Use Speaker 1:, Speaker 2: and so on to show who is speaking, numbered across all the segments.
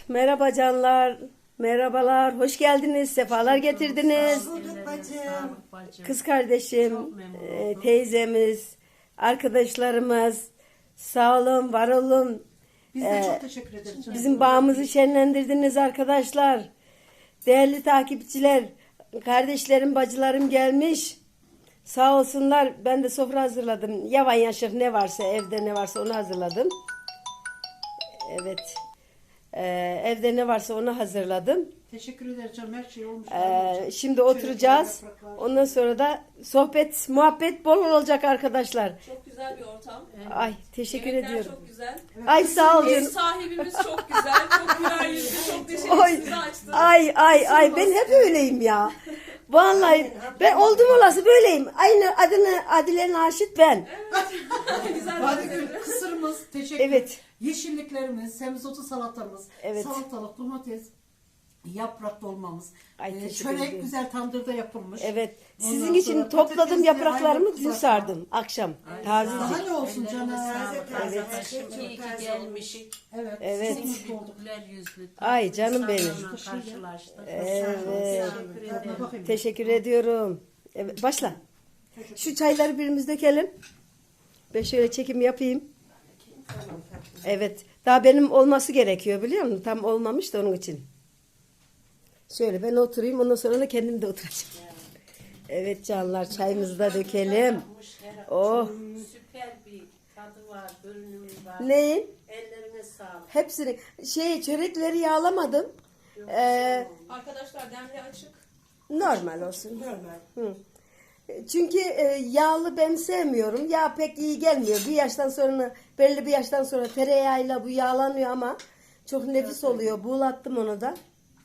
Speaker 1: Merhaba canlar. Merhabalar. Hoş geldiniz. Sefalar getirdiniz. Kız kardeşim, teyzemiz, arkadaşlarımız. Sağ olun, var olun.
Speaker 2: Biz de çok teşekkür ederiz.
Speaker 1: Bizim bağımızı şenlendirdiniz arkadaşlar. Değerli takipçiler, kardeşlerim, bacılarım gelmiş. Sağ olsunlar. Ben de sofra hazırladım. Yavan yaşır ne varsa, evde ne varsa onu hazırladım. Evet. Evde ne varsa onu hazırladım.
Speaker 2: Teşekkür ederiz canım. Her şey olmuş.
Speaker 1: Şimdi oturacağız. Ondan sonra da sohbet, muhabbet bol olacak arkadaşlar.
Speaker 3: Çok güzel bir ortam.
Speaker 1: Ay teşekkür
Speaker 3: Yemekler
Speaker 1: ediyorum.
Speaker 3: çok güzel.
Speaker 1: Ay sağ ol
Speaker 3: Ev
Speaker 1: canım.
Speaker 3: sahibimiz çok güzel. Çok güler yüzlü. Çok teşekkür
Speaker 1: Oy,
Speaker 3: size açtı.
Speaker 1: ay ben hep öyleyim ya. Vallahi ben oldum olası böyleyim. Aynı adını Adile Naşit ben.
Speaker 3: Güzel bir
Speaker 2: Badegül kısırımız. Teşekkür.
Speaker 1: Evet.
Speaker 2: Yeşilliklerimiz, semizotu salatamız,
Speaker 1: Evet.
Speaker 2: salatalık, domates, yaprak dolmamız.
Speaker 1: Ay, teşekkür
Speaker 2: Çörek
Speaker 1: ederim.
Speaker 2: güzel tandırda yapılmış.
Speaker 1: Evet.
Speaker 2: Ondan
Speaker 1: Sizin için
Speaker 2: sonra
Speaker 1: topladım
Speaker 2: patatesli
Speaker 1: yapraklarımı
Speaker 2: ayran
Speaker 1: dün
Speaker 2: kızartma.
Speaker 1: sardım akşam.
Speaker 2: Daha
Speaker 1: Tazecik.
Speaker 2: ne olsun canım.
Speaker 4: İyi ki gelmiş.
Speaker 2: Evet.
Speaker 1: Evet.
Speaker 2: Çok mutlu olduk.
Speaker 4: Güler yüzlü.
Speaker 1: Ay canım benim.
Speaker 4: İnsanlarla karşılaştık.
Speaker 1: Evet.
Speaker 4: Teşekkür
Speaker 2: Tadına
Speaker 4: ederim.
Speaker 2: bakayım.
Speaker 1: Teşekkür ediyorum. Evet, başla. Şu çayları birimiz dökelim. Ben şöyle çekim yapayım. Evet. Daha benim olması gerekiyor biliyor musun? Tam olmamış da onun için. Şöyle ben oturayım ondan sonra da kendim de oturacağım. Evet canlar çayımızı da dökelim. Oh.
Speaker 4: Süper bir tadı var, görünümü var.
Speaker 1: Neyin?
Speaker 4: Ellerine sağlık.
Speaker 1: Hepsini. Çörekleri yağlamadım.
Speaker 3: Arkadaşlar demli açık.
Speaker 1: Normal olsun. Hı. Çünkü yağlı ben sevmiyorum. Yağ pek iyi gelmiyor. Bir yaştan sonra belli bir yaştan sonra tereyağıyla bu yağlanıyor ama çok nefis oluyor. Buğulattım onu da.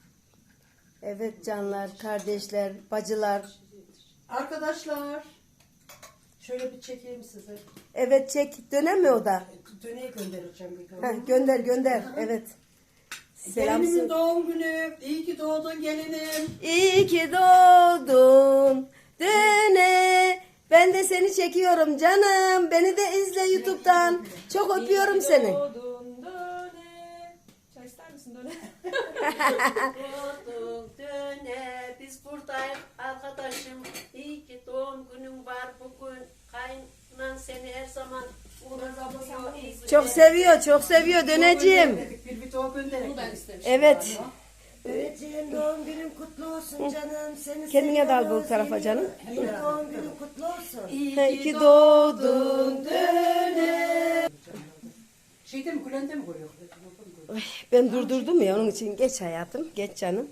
Speaker 1: Evet canlar, kardeşler, bacılar.
Speaker 2: Arkadaşlar. Şöyle bir çekeyim size.
Speaker 1: Evet çek. Dönemiyor o da.
Speaker 2: Döneyi göndereceğim bir gün.
Speaker 1: Gönder. Evet. Selam.
Speaker 2: Gelinimin doğum günü. İyi ki doğdun gelinim.
Speaker 1: İyi ki doğdun. Döne. Ben de seni çekiyorum canım. Beni de izle YouTube'dan. Çok öpüyorum seni.
Speaker 3: Doğdun döne. Çay ister misin döne?
Speaker 4: Doğdun döne. Biz buradayız arkadaşım. İyi ki doğum günün var bugün. Kaynan seni her zaman uğraşıyor.
Speaker 1: Çok seviyor döneciğim.
Speaker 2: Bir video gönderelim.
Speaker 3: Bunu ben istemiştim.
Speaker 1: Evet.
Speaker 5: Öğretmenim doğum günün kutlu olsun canım. Seni
Speaker 1: Kendine de al bu
Speaker 5: seviyorum,
Speaker 1: tarafa canım.
Speaker 5: seviyorum. Doğum günün kutlu olsun.
Speaker 1: İyi ki doğdun döne.
Speaker 2: Şeyde mi Gülende mi koyuyor?
Speaker 1: Ay, ben durdurdum ya onun için. Geç hayatım. Geç canım.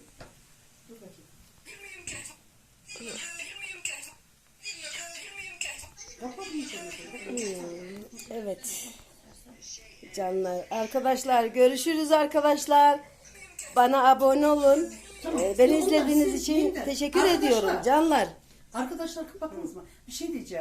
Speaker 1: Evet. Canlar. Arkadaşlar görüşürüz arkadaşlar. Bana abone olun. Beni izlediğiniz için teşekkür ediyorum canlar.
Speaker 2: Arkadaşlar bakınız mı? Bir şey diyeceğim.